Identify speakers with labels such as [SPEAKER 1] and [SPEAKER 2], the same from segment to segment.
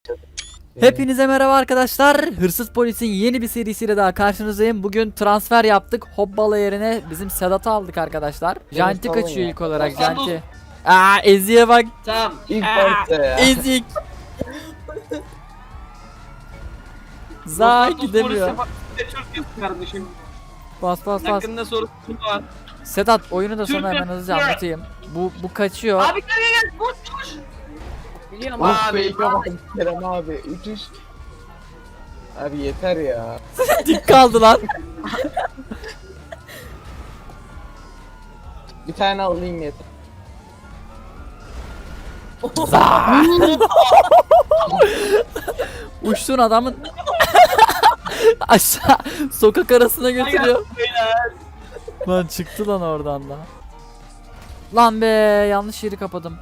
[SPEAKER 1] Hepinize merhaba arkadaşlar. Hırsız Polis'in yeni bir serisiyle daha karşınızdayım. Bugün transfer yaptık. Hobbala yerine bizim Sedat'ı aldık arkadaşlar. Janti kaçıyor ilk olarak. Janti. Aa, Ezi'ye bak.
[SPEAKER 2] Tamam.
[SPEAKER 3] İlk başta ya.
[SPEAKER 1] Ezik. Za gidemiyor.
[SPEAKER 2] Kardeşim.
[SPEAKER 1] Bas bas bas.
[SPEAKER 2] Hakkında soru var.
[SPEAKER 1] Sedat oyunu da sana hemen hızlıca anlatayım. Bu kaçıyor.
[SPEAKER 2] Abi gel. Koş. Biliyorum
[SPEAKER 3] Of
[SPEAKER 2] abi.
[SPEAKER 3] fake'e bak Kerem abi. Uçuş. Abi yeter ya.
[SPEAKER 1] Dik kaldı lan.
[SPEAKER 3] Bir tane alayım yeter.
[SPEAKER 1] Za. Uçtuğun adamın aşağı sokak arasına götürüyor. Lan çıktı lan oradan da. Lan be, yanlış yeri kapadım.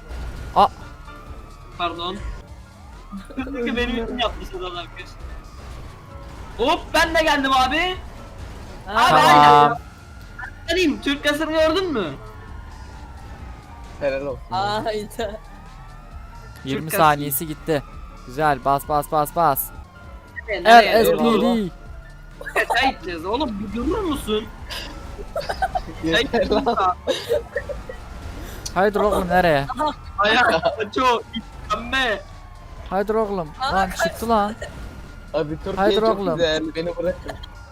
[SPEAKER 2] Pardon. Çünkü benim için yaptı Sedat arkadaş. Hop ben de geldim abi. Abi
[SPEAKER 1] Tamam.
[SPEAKER 2] aynen. Türk kasını gördün mü?
[SPEAKER 3] Helal olsun.
[SPEAKER 4] Hayda.
[SPEAKER 1] 20
[SPEAKER 2] Türk
[SPEAKER 1] saniyesi gitti. Güzel, bas bas bas bas.
[SPEAKER 2] Nereye doğru?
[SPEAKER 1] RSPD.
[SPEAKER 2] Çay içeceğiz oğlum, bir durur musun?
[SPEAKER 3] Yeter lan.
[SPEAKER 1] Haydi oğlum, nereye?
[SPEAKER 2] Ayak çok mükemmel.
[SPEAKER 1] Haydi oğlum. Lan çıktı lan.
[SPEAKER 3] Abi Türkiye
[SPEAKER 1] Haydi
[SPEAKER 3] çok
[SPEAKER 1] oğlum.
[SPEAKER 3] güzel. Beni bırakın.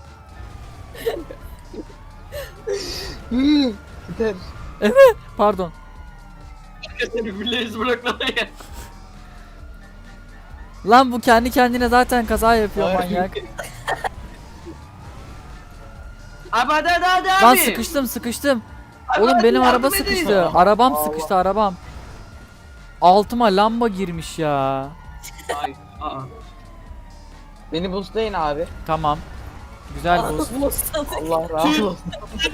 [SPEAKER 3] Yeter.
[SPEAKER 1] Pardon.
[SPEAKER 2] Seni bileyiz bırakmaya.
[SPEAKER 1] Lan bu kendi kendine zaten kaza yapıyor
[SPEAKER 3] Ay.
[SPEAKER 1] manyak.
[SPEAKER 2] Abi hadi abi.
[SPEAKER 1] Lan sıkıştım.
[SPEAKER 2] Abi,
[SPEAKER 1] Oğlum
[SPEAKER 2] hadi
[SPEAKER 1] benim
[SPEAKER 2] yardım
[SPEAKER 1] araba
[SPEAKER 2] edin.
[SPEAKER 1] sıkıştı. Arabam
[SPEAKER 3] Allah.
[SPEAKER 1] sıkıştı, arabam. Altıma lamba girmiş ya.
[SPEAKER 2] Ay, aa.
[SPEAKER 3] Beni boostlayın abi.
[SPEAKER 1] Tamam. Güzel bu.
[SPEAKER 3] Allah razı olsun.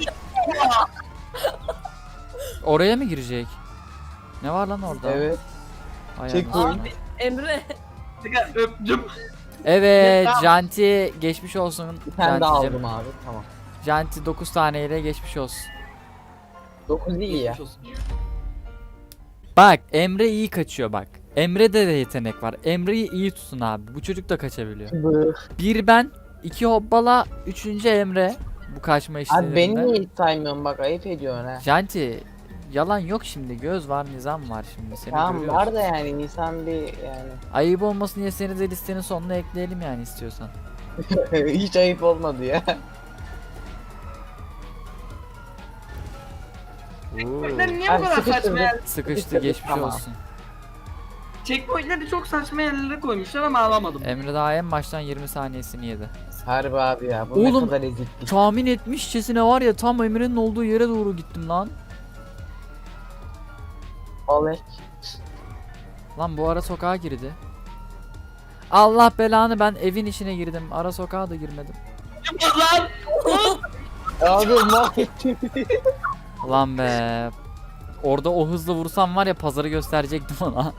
[SPEAKER 1] Oraya mı girecek? Ne var lan orada?
[SPEAKER 3] Evet.
[SPEAKER 1] Ay
[SPEAKER 3] Çek
[SPEAKER 1] anasını.
[SPEAKER 3] oyunu.
[SPEAKER 4] Abi Emre.
[SPEAKER 2] Öptüm.
[SPEAKER 1] Evet,
[SPEAKER 2] Tamam.
[SPEAKER 1] Janti geçmiş olsun.
[SPEAKER 3] Bir tane daha
[SPEAKER 1] Janti'cim.
[SPEAKER 3] aldım abi. Tamam.
[SPEAKER 1] Janti 9 taneyle geçmiş olsun.
[SPEAKER 3] 9 iyi ya.
[SPEAKER 1] Bak, Emre iyi kaçıyor bak. Emre'de de yetenek var. Emre'yi iyi tutun abi. Bu çocuk da kaçabiliyor. Bir ben, 2 Hobbala, 3. Emre. Bu kaçma
[SPEAKER 3] Abi
[SPEAKER 1] işlerinde.
[SPEAKER 3] beni niye hiç saymıyorsun bak ayıp ediyorsun ha.
[SPEAKER 1] Janti, yalan yok şimdi. Göz var, nizam var şimdi. Seni
[SPEAKER 3] Tamam
[SPEAKER 1] görüyoruz.
[SPEAKER 3] var da yani Nisan bir yani.
[SPEAKER 1] Ayıp olmasın diye seni de listenin sonuna ekleyelim yani istiyorsan.
[SPEAKER 3] Hiç ayıp olmadı ya.
[SPEAKER 2] Checkpoint'leri niye bu
[SPEAKER 3] Abi
[SPEAKER 2] kadar
[SPEAKER 3] sıkıştırdı.
[SPEAKER 2] saçma yer?
[SPEAKER 1] Sıkıştı, geçmiş
[SPEAKER 3] Tamam.
[SPEAKER 1] olsun.
[SPEAKER 2] Checkpoint'leri çok saçma yerlere koymuşlar ama alamadım.
[SPEAKER 1] Emre daha en baştan 20 saniyesini yedi.
[SPEAKER 3] Harbi abi ya. Bu
[SPEAKER 1] Oğlum,
[SPEAKER 3] ne kadar eziklik.
[SPEAKER 1] Tahmin etmişçesine var ya, tam Emre'nin olduğu yere doğru gittim lan.
[SPEAKER 3] Olek.
[SPEAKER 1] Lan bu ara sokağa girdi. Allah belanı, ben evin içine girdim. Ara sokağa da girmedim.
[SPEAKER 2] Lan!
[SPEAKER 3] Abi mahvettin.
[SPEAKER 1] Lan be. Orada o hızla vursam var ya, pazarı gösterecektim ona.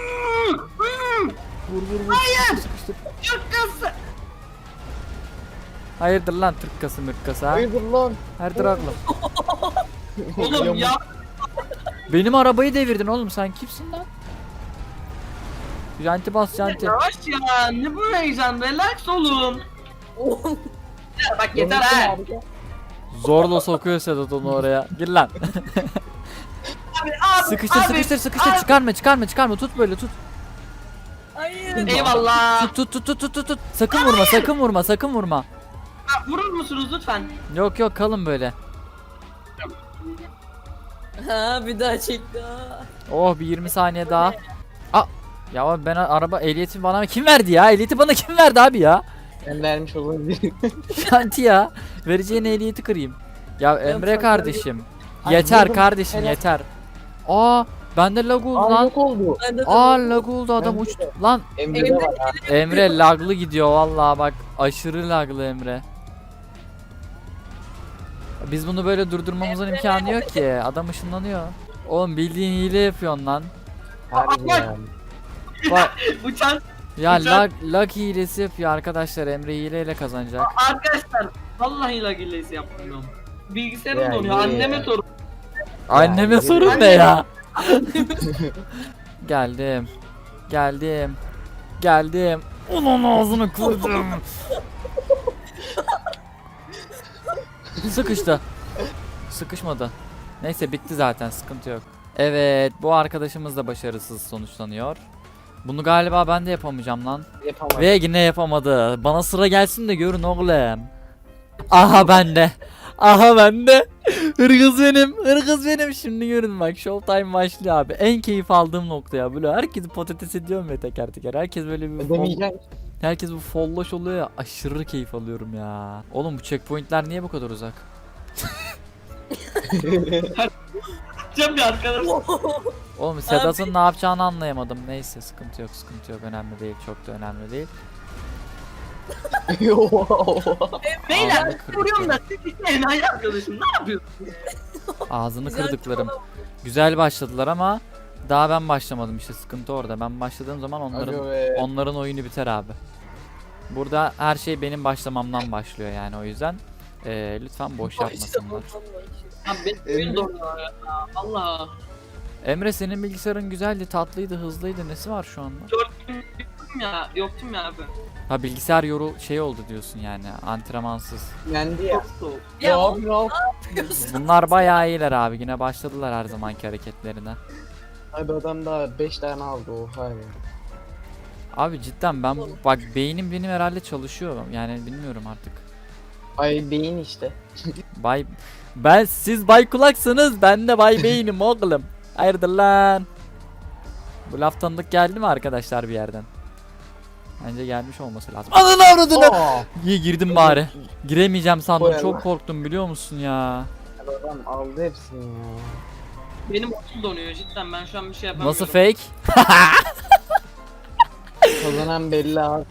[SPEAKER 1] Vur. Hayır. Sıkıştır.
[SPEAKER 2] Şakası!
[SPEAKER 1] Hayırdır lan tırkkası mırkkası ha?
[SPEAKER 3] Hayırdır lan.
[SPEAKER 1] Hayırdır oğlum.
[SPEAKER 2] Oğlum ya
[SPEAKER 1] Benim arabayı devirdin oğlum, sen kimsin lan? Janti bas janti.
[SPEAKER 2] yavaş ya, ne bu heyecan, relax olun. Ya bak yeter ha.
[SPEAKER 1] Zorla sokuyor Sedat onu oraya. Gir lan.
[SPEAKER 2] Abi,
[SPEAKER 1] Sıkıştır
[SPEAKER 2] abi.
[SPEAKER 1] çıkarma, tut böyle tut.
[SPEAKER 4] Hayır.
[SPEAKER 2] Eyvallah.
[SPEAKER 1] Tut. Sakın vurma.
[SPEAKER 2] Ha, vurur musunuz lütfen?
[SPEAKER 1] Yok kalın böyle.
[SPEAKER 4] Ha bir daha çekti.
[SPEAKER 1] Oh, bir 20 saniye daha. Ya ben araba ehliyeti bana kim verdi ya? Ehliyeti bana kim verdi abi ya?
[SPEAKER 3] Ben vermiş olabilirim.
[SPEAKER 1] Janti ya. Vereceğin ehliyeti kırayım. Ya Emre
[SPEAKER 4] çok
[SPEAKER 1] kardeşim.
[SPEAKER 3] Ay,
[SPEAKER 1] Yeter
[SPEAKER 3] vurdum.
[SPEAKER 1] kardeşim
[SPEAKER 3] Helal.
[SPEAKER 1] yeter. Bende lag oldu
[SPEAKER 3] Aa
[SPEAKER 1] lan.
[SPEAKER 3] yok oldu.
[SPEAKER 4] Ben de
[SPEAKER 1] Lag oldu, adam
[SPEAKER 3] Bende
[SPEAKER 1] uçtu.
[SPEAKER 3] de.
[SPEAKER 1] Lan
[SPEAKER 3] Emre'de var abi.
[SPEAKER 1] Emre laglı gidiyor vallahi bak, aşırı laglı Emre. Biz bunu böyle durdurmamızın imkanı yok ki. Adam ışınlanıyor. Oğlum bildiğin hile yapıyorsun lan.
[SPEAKER 3] Harbi ya.
[SPEAKER 1] Bak
[SPEAKER 2] Uçan
[SPEAKER 1] ya,
[SPEAKER 2] Güzel.
[SPEAKER 1] lag hilesi yapıyor arkadaşlar. Emre hileyle kazanacak.
[SPEAKER 2] arkadaşlar, vallahi lag illesi yapmıyorum. Bilgisayarım
[SPEAKER 3] Ya,
[SPEAKER 2] donuyor,
[SPEAKER 3] ya.
[SPEAKER 2] anneme sorun.
[SPEAKER 1] Anneme
[SPEAKER 3] Ya,
[SPEAKER 1] sorun
[SPEAKER 2] anne-
[SPEAKER 1] ne ya? Geldim. geldim. Onun ağzını kırdım. Sıkıştı. Sıkışmadı. Neyse bitti zaten, sıkıntı yok. Evet, bu arkadaşımız da başarısız sonuçlanıyor. Bunu galiba ben de yapamayacağım lan.
[SPEAKER 3] Yapamadım.
[SPEAKER 1] Ve yine yapamadı. Bana sıra gelsin de görün oğlum. Aha bende. Aha bende. Hırgız benim. Hırgız benim. Şimdi görün bak. Showtime başlıyor abi. En keyif aldığım nokta ya. Böyle herkesi patates ediyorum ya teker teker. Herkes böyle bir
[SPEAKER 3] Ödemeyeceğim.
[SPEAKER 1] herkes bu folloş oluyor ya. Aşırı keyif alıyorum ya. Oğlum bu checkpointler niye bu kadar uzak?
[SPEAKER 2] Cem bir arkadaş.
[SPEAKER 1] Oğlum Sedat'ın ne yapacağını anlayamadım. Neyse sıkıntı yok, sıkıntı yok. Önemli değil. Çok da önemli değil.
[SPEAKER 2] Beyler
[SPEAKER 1] Ağzını kırdık
[SPEAKER 2] vuruyorum da
[SPEAKER 1] ya.
[SPEAKER 2] siz işte enayi arkadaşım ne yapıyorsun?
[SPEAKER 1] Ağzını
[SPEAKER 4] Güzel
[SPEAKER 1] kırdıklarım. Güzel başladılar ama daha ben başlamadım, işte sıkıntı orada. Ben başladığım zaman onların oyunu biter abi. Burada her şey benim başlamamdan başlıyor yani, o yüzden lütfen boş yapmasınlar.
[SPEAKER 2] Abi benim donuyor ya. Allah.
[SPEAKER 1] Emre senin bilgisayarın güzeldi, tatlıydı, hızlıydı. Nesi var şu anda?
[SPEAKER 2] Yoktum ya abi.
[SPEAKER 1] Ha bilgisayar şey oldu diyorsun yani, antrenmansız.
[SPEAKER 3] Yendi ya.
[SPEAKER 2] Çok soğuk.
[SPEAKER 4] Ya
[SPEAKER 3] Yok yok.
[SPEAKER 1] Bunlar bayağı iyiler abi, yine başladılar her zamanki hareketlerine.
[SPEAKER 3] Abi adam daha 5 tane aldı oha ya.
[SPEAKER 1] Abi cidden ben bak beynim benim herhalde çalışıyor yani, bilmiyorum artık.
[SPEAKER 3] Ay beyin işte.
[SPEAKER 1] Siz Bay Kulaksanız ben de Bay Beynim oğlum. Hayırdır lan? Bu laf tanıdık geldi mi arkadaşlar bir yerden? Bence gelmiş olması lazım. Ananı avradını!
[SPEAKER 3] Aa!
[SPEAKER 1] İyi girdim bari. Giremeyeceğim sandım,
[SPEAKER 3] Koy
[SPEAKER 1] çok
[SPEAKER 3] Allah.
[SPEAKER 1] korktum biliyor musun ya?
[SPEAKER 3] Adam aldı hepsini ya.
[SPEAKER 2] Benim oyun donuyor cidden ben şu an bir şey yapamıyorum.
[SPEAKER 1] Nasıl fake?
[SPEAKER 3] Kazanan belli abi.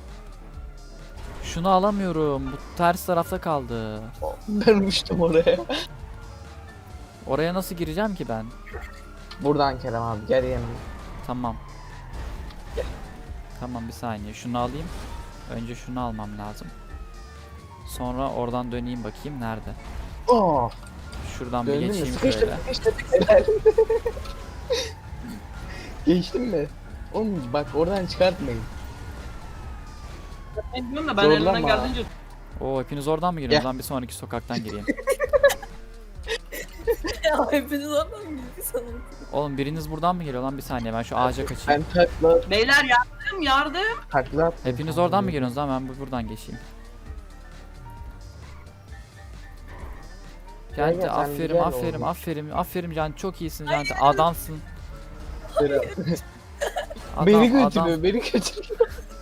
[SPEAKER 1] Şunu alamıyorum. Bu ters tarafta kaldı.
[SPEAKER 3] Ben uçtum oraya.
[SPEAKER 1] Oraya nasıl gireceğim ki ben?
[SPEAKER 3] Buradan Kerem abi gel yanıma.
[SPEAKER 1] Tamam. Tamam bir saniye. Şunu alayım. Önce şunu almam lazım. Sonra oradan döneyim bakayım nerede.
[SPEAKER 3] Oh!
[SPEAKER 1] Şuradan bir
[SPEAKER 3] Döndün mü?
[SPEAKER 1] geçeyim
[SPEAKER 3] Sıkıştım
[SPEAKER 1] şöyle.
[SPEAKER 3] sıkıştım. Helal. Geçtin mi? Oğlum bak oradan çıkartmayın.
[SPEAKER 2] Ben diyorum da ben
[SPEAKER 3] Zorlama.
[SPEAKER 2] elimden geldiğince
[SPEAKER 1] Oo hepiniz oradan mı giriyorsunuz? Ben bir sonraki sokaktan gireyim.
[SPEAKER 4] Ya hepiniz oradan mı gitti sanırım?
[SPEAKER 1] Oğlum biriniz buradan mı geliyor lan, bir saniye ben şu ağaca kaçayım.
[SPEAKER 3] Ben
[SPEAKER 2] beyler yardım.
[SPEAKER 3] takla attım.
[SPEAKER 1] Hepiniz oradan mı geliyorsunuz lan, ben buradan geçeyim.
[SPEAKER 3] Gel,
[SPEAKER 1] Canti
[SPEAKER 3] gel, sen
[SPEAKER 1] aferin
[SPEAKER 3] gel
[SPEAKER 1] aferin
[SPEAKER 3] oğlum.
[SPEAKER 1] aferin aferin Canti, çok iyisin Canti, adamsın. Adam,
[SPEAKER 3] Beni
[SPEAKER 1] adam.
[SPEAKER 3] götürüyor, beni götürüyor.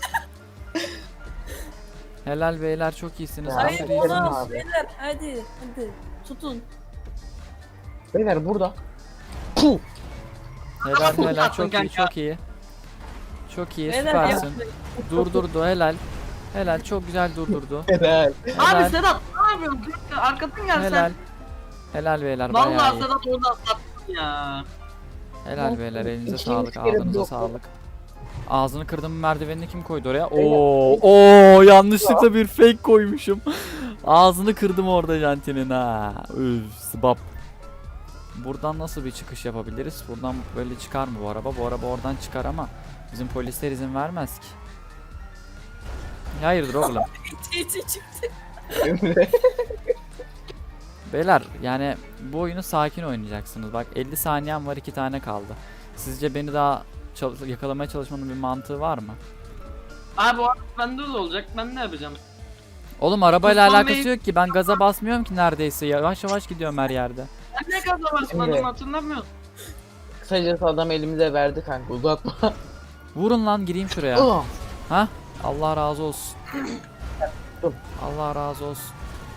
[SPEAKER 1] Helal beyler, çok iyisiniz.
[SPEAKER 3] Ya,
[SPEAKER 4] Hayır
[SPEAKER 1] aferin.
[SPEAKER 3] Kerem
[SPEAKER 4] olamaz
[SPEAKER 3] abi.
[SPEAKER 4] beyler hadi tutun.
[SPEAKER 3] Beyler burada. Puh!
[SPEAKER 1] Helal
[SPEAKER 2] Adam
[SPEAKER 1] helal,
[SPEAKER 2] attın
[SPEAKER 1] çok iyi
[SPEAKER 2] kanka.
[SPEAKER 1] çok iyi. Çok iyi,
[SPEAKER 4] Beyler
[SPEAKER 1] süpersin.
[SPEAKER 4] yapmayın.
[SPEAKER 1] Durdurdu, helal. Helal, çok güzel durdurdu.
[SPEAKER 3] Helal.
[SPEAKER 1] Helal.
[SPEAKER 2] Abi Sedat ne yapıyorsun? Arkadan gel
[SPEAKER 1] Helal.
[SPEAKER 2] sen.
[SPEAKER 1] Helal beyler, bayağı
[SPEAKER 2] Vallahi
[SPEAKER 1] iyi.
[SPEAKER 2] Sedat orada atlattın ya.
[SPEAKER 1] Helal beyler, elinize
[SPEAKER 3] İkinci
[SPEAKER 1] sağlık,
[SPEAKER 3] kere
[SPEAKER 1] ağzınıza
[SPEAKER 3] blok.
[SPEAKER 1] sağlık. Ağzını kırdım merdivenini kim koydu oraya? Oo yanlışlıkla bir fake koymuşum. Ağzını kırdım orada Janti'nin ha. Üf, sıbap. Buradan nasıl bir çıkış yapabiliriz? Buradan böyle çıkar mı bu araba? Bu araba oradan çıkar ama bizim polisler izin vermez ki. Hayırdır oğlum?
[SPEAKER 4] İçi çıktı.
[SPEAKER 3] Emre.
[SPEAKER 1] Beyler yani bu oyunu sakin oynayacaksınız. Bak 50 saniyem var, 2 tane kaldı. Sizce beni daha yakalamaya çalışmanın bir mantığı var mı?
[SPEAKER 2] Abi o bende de olacak. Ben ne yapacağım?
[SPEAKER 1] Oğlum arabayla
[SPEAKER 2] Tufan
[SPEAKER 1] alakası
[SPEAKER 2] Bey-
[SPEAKER 1] yok ki, ben gaza basmıyorum ki neredeyse, yavaş yavaş gidiyorum her yerde.
[SPEAKER 2] Ben ne kadar basmadım
[SPEAKER 3] Şimdi-
[SPEAKER 2] hatırlamıyorum.
[SPEAKER 3] Kısacası adam elimize verdi kanka uzatma.
[SPEAKER 1] Vurun lan, gireyim şuraya.
[SPEAKER 3] Oh!
[SPEAKER 1] Ha? Allah razı olsun.
[SPEAKER 3] Dur.
[SPEAKER 1] Allah razı olsun.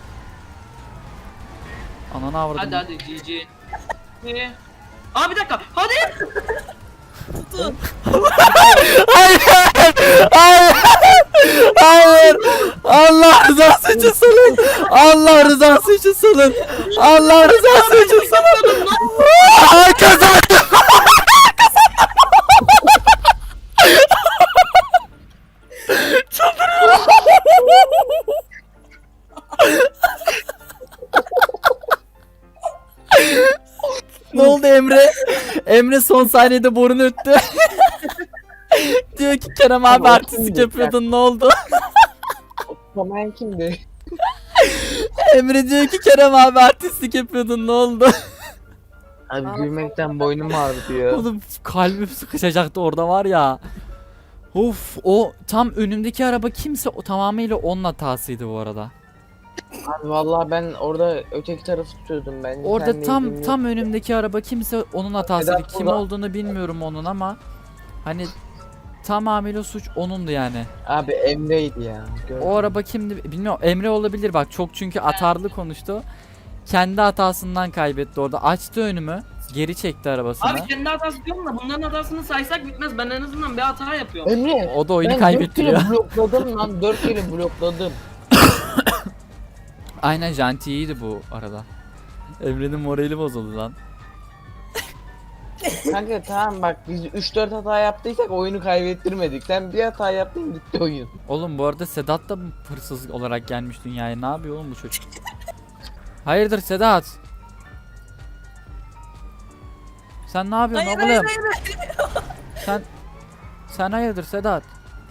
[SPEAKER 1] Ananı avradım.
[SPEAKER 2] Hadi hadi GG. Abi bir dakika. Hadi.
[SPEAKER 4] Tutun.
[SPEAKER 1] Hayır! Hayır! Hayır! Allah rızası için salın! Allah rızası için salın! Allah rızası için salın! Aa, kazandım! Ne oldu Emre? Emre son saniyede borunu öttü. diyor ki Kerem abi
[SPEAKER 3] Abi,
[SPEAKER 1] artistlik
[SPEAKER 3] kimdi?
[SPEAKER 1] yapıyordun ne oldu?
[SPEAKER 3] Tamamen kimdi?
[SPEAKER 1] Emre diyor ki Kerem abi artistlik yapıyordun ne oldu?
[SPEAKER 3] Abi gülmekten boynum ağrıyor.
[SPEAKER 1] Oğlum kalbim sıkışacaktı orada var ya. Of o tam önümdeki araba kimse o tamamıyla onun hatasıydı bu arada.
[SPEAKER 3] Abi vallahi ben orada öteki tarafı tutuyordum ben.
[SPEAKER 1] Orada
[SPEAKER 3] Sen
[SPEAKER 1] tam
[SPEAKER 3] neydin
[SPEAKER 1] tam önümdeki araba kimse onun hatasıydı.
[SPEAKER 3] Sedat
[SPEAKER 1] Kim
[SPEAKER 3] burada-
[SPEAKER 1] olduğunu bilmiyorum onun ama hani tamamıyla suç onundu yani.
[SPEAKER 3] Abi Emre'ydi ya. Gördüm.
[SPEAKER 1] O araba kimdi bilmiyorum. Emre olabilir bak çok çünkü atarlı konuştu. Kendi hatasından kaybetti orada. Açtı önümü. Geri çekti arabasını.
[SPEAKER 2] Abi kendi hatası diyorum da bunların hatasını saysak bitmez. Ben en azından bir hata yapıyorum.
[SPEAKER 3] Emre.
[SPEAKER 1] O da oyunu
[SPEAKER 3] Ben
[SPEAKER 1] kaybettiriyor.
[SPEAKER 3] 4 kere blokladım lan 4 kere blokladım.
[SPEAKER 1] Aynen Janti iyiydi bu arada. Emre'nin morali bozuldu lan.
[SPEAKER 3] Kanka tamam bak biz 3-4 hata yaptıysak oyunu kaybettirmedik. Sen bir hata yaptın gitti oyun.
[SPEAKER 1] Oğlum bu arada Sedat da hırsız olarak gelmiş dünyaya. Ne yapıyor oğlum bu çocuk? Hayırdır Sedat? Sen ne yapıyorsun
[SPEAKER 4] Hayır,
[SPEAKER 1] oğlum?
[SPEAKER 4] hayır,
[SPEAKER 1] Sen hayırdır Sedat?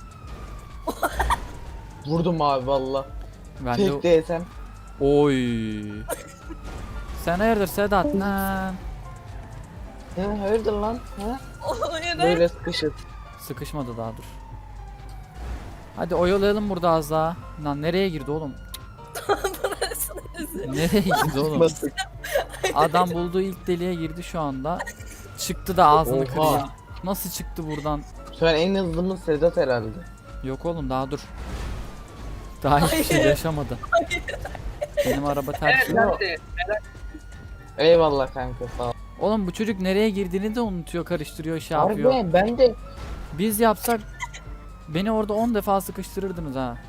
[SPEAKER 3] Vurdum abi valla.
[SPEAKER 1] Ben de
[SPEAKER 3] Tek DSM.
[SPEAKER 1] oy. Sen hayırdır Sedat? Lan.
[SPEAKER 3] He hayırdır lan? He?
[SPEAKER 4] Hayır, hayır.
[SPEAKER 3] Böyle sıkışır.
[SPEAKER 1] Sıkışmadı daha dur. Hadi oyalayalım burada az daha. Lan nereye girdi oğlum? Nereye girdi oğlum?
[SPEAKER 3] Basık.
[SPEAKER 1] Adam bulduğu ilk deliğe girdi şu anda. Çıktı da ağzını
[SPEAKER 3] Oha.
[SPEAKER 1] kırıyor. Nasıl çıktı buradan?
[SPEAKER 3] Şu an en hızlımız Sedat herhalde.
[SPEAKER 1] Yok oğlum daha dur. Daha hiçbir şey
[SPEAKER 4] Hayır.
[SPEAKER 1] yaşamadı. Benim araba ters.
[SPEAKER 2] Evet hadi.
[SPEAKER 3] Eyvallah kanka sağ ol.
[SPEAKER 1] Oğlum bu çocuk nereye girdiğini de unutuyor, karıştırıyor, şey yapıyor.
[SPEAKER 3] Harbi ben de
[SPEAKER 1] Biz yapsak beni orada 10 defa sıkıştırırdınız ha.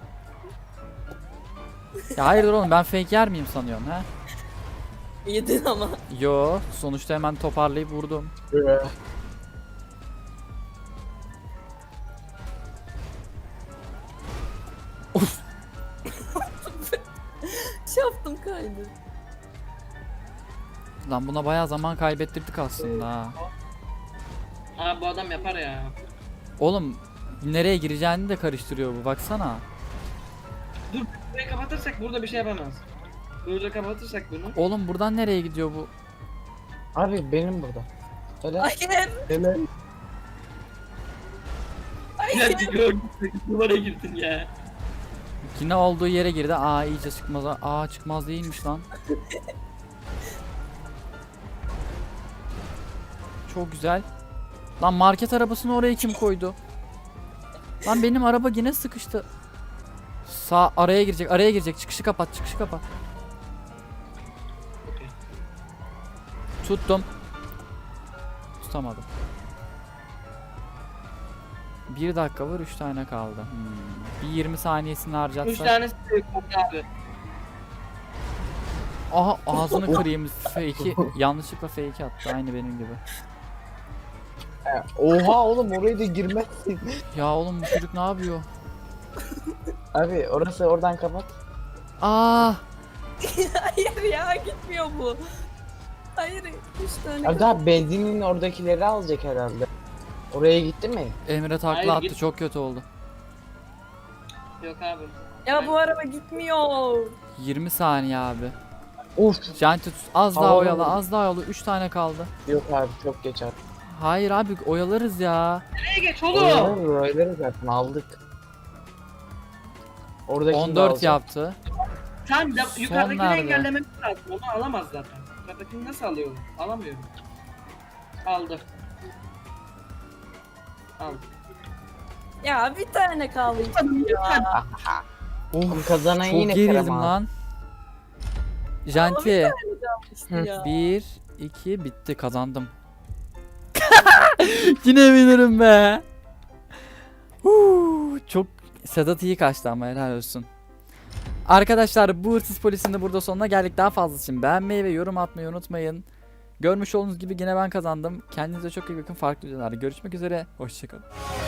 [SPEAKER 1] Ya hayırdır oğlum ben fake yer miyim sanıyorsun ha?
[SPEAKER 4] Yedin ama.
[SPEAKER 1] Yo sonuçta hemen toparlayıp vurdum.
[SPEAKER 4] Şaftım kaydı.
[SPEAKER 1] Lan buna bayağı zaman kaybettirdik aslında ha.
[SPEAKER 2] Abi bu adam yapar ya.
[SPEAKER 1] Oğlum nereye gireceğini de karıştırıyor bu baksana.
[SPEAKER 2] Dur burayı kapatırsak burada bir şey yapamaz. Burada kapatırsak bunu.
[SPEAKER 1] Oğlum buradan nereye gidiyor bu?
[SPEAKER 3] Abi benim burada. Öyle.
[SPEAKER 4] Hayır.
[SPEAKER 3] Öyle.
[SPEAKER 2] Ya gördüm. Numara girdin ya.
[SPEAKER 1] Yine olduğu yere girdi. Aa iyice çıkmaz. Aa çıkmaz değilmiş lan. Çok güzel. Lan market arabasını oraya kim koydu? Lan benim araba yine sıkıştı. Sağ araya girecek. Araya girecek. Çıkışı kapat. Çıkışı kapat.
[SPEAKER 2] Okey.
[SPEAKER 1] Tuttum. Tutamadım. 1 dakika var 3 tane kaldı. Bir 20 saniyesini
[SPEAKER 2] 3
[SPEAKER 1] harcatsak.
[SPEAKER 2] tanesi de yok abi.
[SPEAKER 1] Aha ağzını kırayım. Fake'i yanlışlıkla fake attı. Aynı benim gibi.
[SPEAKER 3] Oha oğlum oraya da girmezsin.
[SPEAKER 1] Ya oğlum bu çocuk ne yapıyor?
[SPEAKER 3] Abi orası oradan kapat.
[SPEAKER 1] Aa!
[SPEAKER 4] Hayır ya gitmiyor bu. Hayır. 3 tane.
[SPEAKER 3] Abi daha benzinin oradakileri alacak herhalde. Oraya gitti mi?
[SPEAKER 1] Emre takla
[SPEAKER 2] Hayır,
[SPEAKER 1] attı.
[SPEAKER 2] git.
[SPEAKER 1] Çok kötü oldu.
[SPEAKER 2] Yok abi.
[SPEAKER 4] Ya bu araba gitmiyor.
[SPEAKER 1] 20 saniye abi.
[SPEAKER 3] Uf.
[SPEAKER 1] Janti az daha
[SPEAKER 3] Havalı
[SPEAKER 1] oyala.
[SPEAKER 3] oldu.
[SPEAKER 1] Az daha oyala. 3 tane kaldı.
[SPEAKER 3] Yok abi çok geç abi.
[SPEAKER 1] Hayır abi oyalarız ya.
[SPEAKER 2] Nereye geç oğlum?
[SPEAKER 3] Oraları zaten aldık. Oradakini de
[SPEAKER 1] 14
[SPEAKER 3] alacak.
[SPEAKER 1] yaptı.
[SPEAKER 2] Sen de
[SPEAKER 1] Son
[SPEAKER 2] yukarıdakini
[SPEAKER 1] nerede?
[SPEAKER 2] engellememiz lazım. Onu alamaz zaten. Yukarıdakini nasıl alıyorum? Alamıyorum. Aldı. Aldı.
[SPEAKER 4] Ya bir tane kaldı. Ya.
[SPEAKER 3] Oğlum kazanan
[SPEAKER 1] Çok
[SPEAKER 3] yine Kerem
[SPEAKER 1] gerildim
[SPEAKER 3] abi.
[SPEAKER 1] lan. Janti.
[SPEAKER 4] İşte ya.
[SPEAKER 1] 1 2 bitti kazandım. Yine bilirim be. Çok Sedat iyi kaçtı ama helal olsun. Arkadaşlar bu hırsız polisin de burada sonuna geldik. Daha fazlası için beğenmeyi ve yorum atmayı unutmayın. Görmüş olduğunuz gibi yine ben kazandım. Kendinize çok iyi bakın. Farklı videolarda görüşmek üzere. Hoşçakalın.